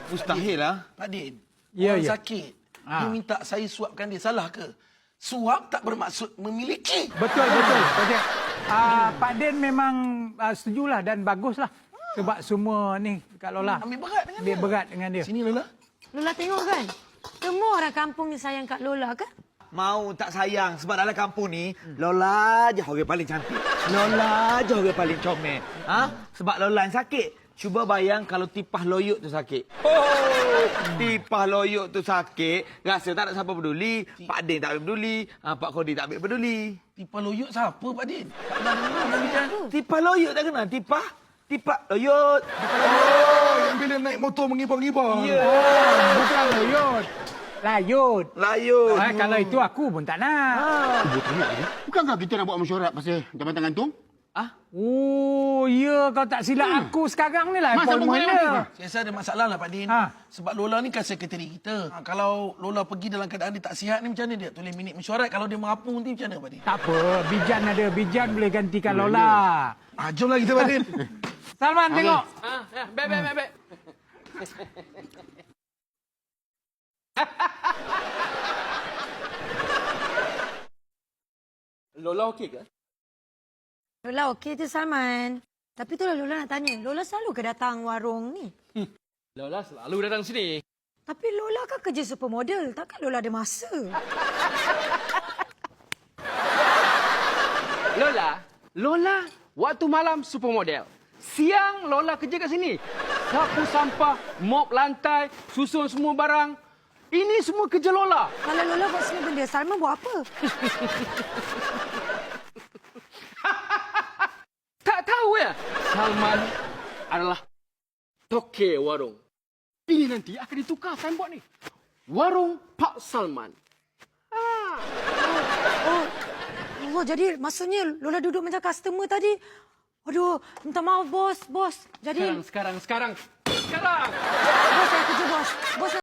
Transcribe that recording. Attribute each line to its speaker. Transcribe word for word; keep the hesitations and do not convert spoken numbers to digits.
Speaker 1: Mustahil lah.
Speaker 2: Pak Din,
Speaker 3: Ya,
Speaker 2: orang
Speaker 3: ya.
Speaker 2: sakit.
Speaker 3: Ah.
Speaker 2: Dia minta saya suapkan dia. Salah ke? Suap tak bermaksud memiliki.
Speaker 3: Betul, betul. betul. Uh, Pak Din memang uh, setujulah dan baguslah. Sebab semua ni Kak Lola
Speaker 2: Ambil berat dengan
Speaker 3: dia
Speaker 2: dia.
Speaker 3: berat dengan dia.
Speaker 2: Sini Lola.
Speaker 4: Lola tengok kan? Semua orang kampung ni sayang Kak Lola kan?
Speaker 1: Mau tak sayang sebab dalam kampung ni Lola je orang paling cantik. Lola je orang paling comel. Ha? Sebab Lola yang sakit. Cuba bayang kalau tipah loyuk tu sakit. Oh, tipah loyuk tu sakit, rasa tak ada siapa peduli. Pak Din tak ambil peduli, ha, Pak Kodi tak ambil peduli.
Speaker 2: Tipah loyuk siapa Pak Din? Tak pernah dengar orang bincang tu.
Speaker 1: Tipah loyuk tak kenal? Tipah? Tipah loyuk.
Speaker 2: Oh, yang bila naik motor mengibar-ngibar.
Speaker 1: Ya.
Speaker 3: Oh, bukan layut. Layut.
Speaker 1: Layut.
Speaker 3: Ah, kalau itu aku pun tak nak.
Speaker 1: Ha.
Speaker 5: Bukankah kita nak buat mesyuarat pasal jabatan gantung?
Speaker 1: Ah?
Speaker 3: Oh, ya kau tak silap
Speaker 5: Hmm.
Speaker 3: aku sekarang ni lah.
Speaker 5: Masa
Speaker 3: appointment
Speaker 5: mengenai
Speaker 3: dia.
Speaker 5: apa?
Speaker 2: Saya rasa ada masalah lah Pak Din.
Speaker 3: Ha.
Speaker 2: Sebab Lola ni kan sekretari kita. Ha, kalau Lola pergi dalam keadaan dia tak sihat ni macam mana dia? Tulis minit mesyuarat. Kalau dia mengapung nanti macam mana Pak Din?
Speaker 3: Tak apa, Bijan ada. Bijan boleh gantikan Lola.
Speaker 2: Ah, jom lah kita Pak Din.
Speaker 3: Salman, tengok.
Speaker 6: Ah, ya, baik, baik, baik, baik. Lola okey ke?
Speaker 4: Lola okey tu Salman. Tapi tu lah Lola nak tanya. Lola selalu ke datang warung ni?
Speaker 6: Lola selalu datang sini.
Speaker 4: Tapi Lola kan kerja supermodel. Takkan Lola ada masa?
Speaker 6: Lola, Lola waktu malam supermodel. Siang Lola kerja kat sini. Sapu sampah, mop lantai, susun semua barang. Ini semua kerja Lola.
Speaker 4: Kalau Lola buat semua benda, Salman buat apa?
Speaker 6: Tak tahu ya? Salman adalah toke warung. Ini nanti akan ditukar signboard ni. Warung Pak Salman.
Speaker 4: Oh, jadi maksudnya Lola duduk macam customer tadi. Aduh, minta maaf bos, bos. Jadi,
Speaker 6: Sekarang, sekarang, sekarang. Sekarang!
Speaker 4: bos saya kerja bos. Bos